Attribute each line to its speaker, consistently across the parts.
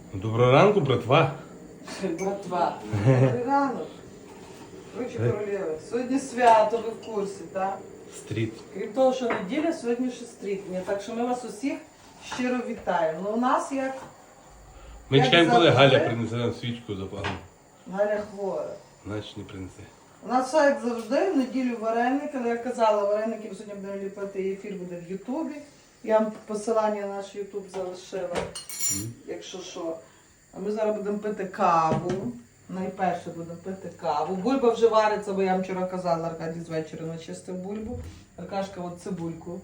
Speaker 1: Доброго ранку, братва.
Speaker 2: Братва. Добрий ранок. Короче, королеви. Сьогодні свято, ви в курсі, так?
Speaker 1: Стріт.
Speaker 2: Крім того, що неділя, сьогодні ще стрітня. Так що ми вас усіх щиро вітаємо. Ну, у нас як...
Speaker 1: Ми
Speaker 2: Як
Speaker 1: чекаємо, коли
Speaker 2: завжди.
Speaker 1: Галя принесе нам свічку запалимо.
Speaker 2: Галя хвора.
Speaker 1: Значить не принесе.
Speaker 2: У нас все як завжди, в неділю вареники, але я казала, вареники ми сьогодні будемо ліпити, і ефір буде в Ютубі. Я вам посилання на наш Ютуб залишила, якщо що. А ми зараз будемо пити каву. Найперше будемо пити каву. Бульба вже вариться, бо я вам вчора казала, Аркадій з вечора начистив бульбу. Аркашка от цибульку.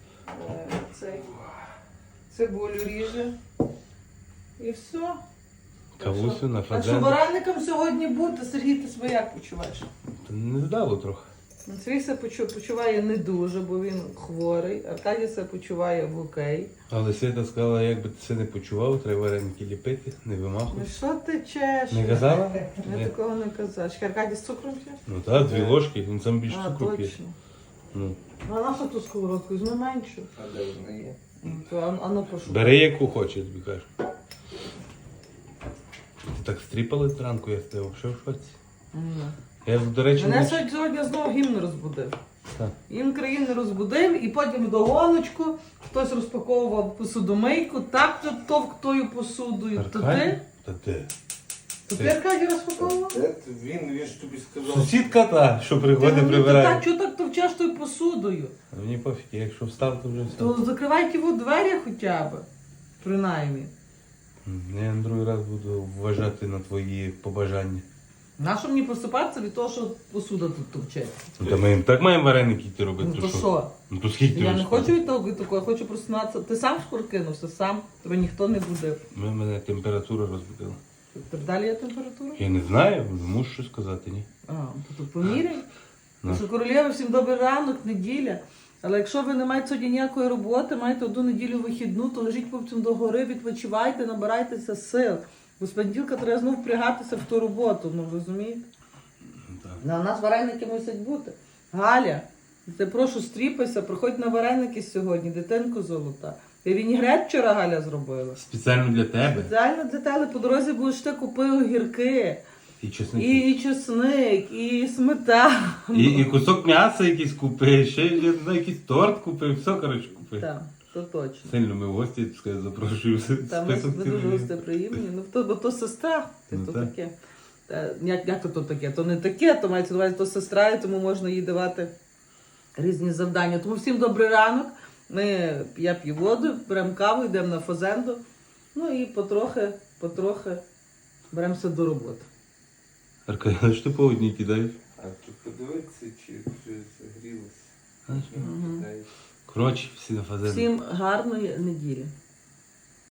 Speaker 2: Цибулю ріже. І все.
Speaker 1: Кавусю на
Speaker 2: Так що
Speaker 1: фазен.
Speaker 2: вареникам сьогодні бути. Сергій, ти себе як почуваєш?
Speaker 1: Не здало трохи.
Speaker 2: Сергій себе почуває не дуже, бо він хворий. Аркадій себе почуває в окей.
Speaker 1: Але Свята сказала, як би ти це не почував, треба вареники ліпити, не
Speaker 2: Ну
Speaker 1: вимахуй.
Speaker 2: що ти чеш?
Speaker 1: Не казала?
Speaker 2: Я
Speaker 1: Ні.
Speaker 2: такого не казала. Чи Аркадій з цукром ще?
Speaker 1: Ну так, 2 ложки, він сам більше
Speaker 2: А,
Speaker 1: цукру п'є.
Speaker 2: точно.
Speaker 1: Ну.
Speaker 2: А наша ту сковородку? Візьми меншу.
Speaker 3: А де вона є?
Speaker 2: А ну прошу.
Speaker 1: Бери яку хоче, я тобі кажу. Ти так стріпали зранку, я став, що в шоці? Я, до речі,
Speaker 2: Мене
Speaker 1: не...
Speaker 2: сьогодні знову гімн розбудив.
Speaker 1: Так.
Speaker 2: Гімн країни розбудив, і потім до гоночку хтось розпаковував посудомийку, так товктою посудою. То
Speaker 1: Аркадій?
Speaker 2: ти?
Speaker 1: Та ти.
Speaker 2: То ти Аркадій розпаковував?
Speaker 3: Він ж тобі сказав.
Speaker 1: Сусідка та, що приходить, прибирає.
Speaker 2: Чого так товчеш тою посудою?
Speaker 1: А мені пофіг, я якщо встав, то вже все.
Speaker 2: То закривай ті двері хоча б. Принаймні.
Speaker 1: Я на другий раз буду вважати на твої побажання.
Speaker 2: Нащо мені просипатися від того, що посуда тут товче?
Speaker 1: Та ми так маємо вареники йти робити,
Speaker 2: Ну
Speaker 1: то
Speaker 2: то
Speaker 1: що?
Speaker 2: що?
Speaker 1: Ну то скільки ти
Speaker 2: Я не
Speaker 1: розказуєш?
Speaker 2: хочу від того, я хочу просинатися. Ти сам шкуркинувся, сам. Тебе ніхто не будив.
Speaker 1: Мене температура розбудила.
Speaker 2: Далі є температура?
Speaker 1: Я не знаю, мушу щось сказати, ні.
Speaker 2: А, то поміряй.
Speaker 1: Ну.
Speaker 2: Що королєва, всім добрий ранок, неділя. Але якщо ви не маєте сьогодні ніякої роботи, маєте одну неділю вихідну, то лежіть потім до гори, відпочивайте, набирайтеся сил. Бо з понеділка треба знову впрягатися в ту роботу, ну розумієте?
Speaker 1: Так.
Speaker 2: На нас вареники мусять бути. Галя, ти прошу стріпайся, приходь на вареники сьогодні, дитинко золота. Ти вінігрет вчора Галя зробила.
Speaker 1: Спеціально для тебе.
Speaker 2: Спеціально для тебе по дорозі будеш ти купив огірки,
Speaker 1: І чесник.
Speaker 2: і чесник, і сметану.
Speaker 1: І кусок м'яса якийсь купив, ще я не знаю, якийсь торт купив, все, коротше, купив.
Speaker 2: Так, то точно.
Speaker 1: Сильно ми в гості, скажу, запрошую.
Speaker 2: Та ми
Speaker 1: Список
Speaker 2: дуже
Speaker 1: цілий.
Speaker 2: гості приємні. Ну, бо то сестра,
Speaker 1: Ну,
Speaker 2: то
Speaker 1: так.
Speaker 2: таке. Як то таке? То не таке, то мається на увазі, то сестра, і тому можна їй давати різні завдання. Тому всім добрий ранок. Я п'ю воду, беремо каву, йдемо на фазенду. Ну і потрохи беремося до роботи.
Speaker 1: Аркадій, що ти по одній кидаєш?
Speaker 3: А то подивитися, чи вже загрілося.
Speaker 1: Знаєш,
Speaker 3: Ну, кидай.
Speaker 1: Коротше, всі на фазені.
Speaker 2: Всім гарної неділі.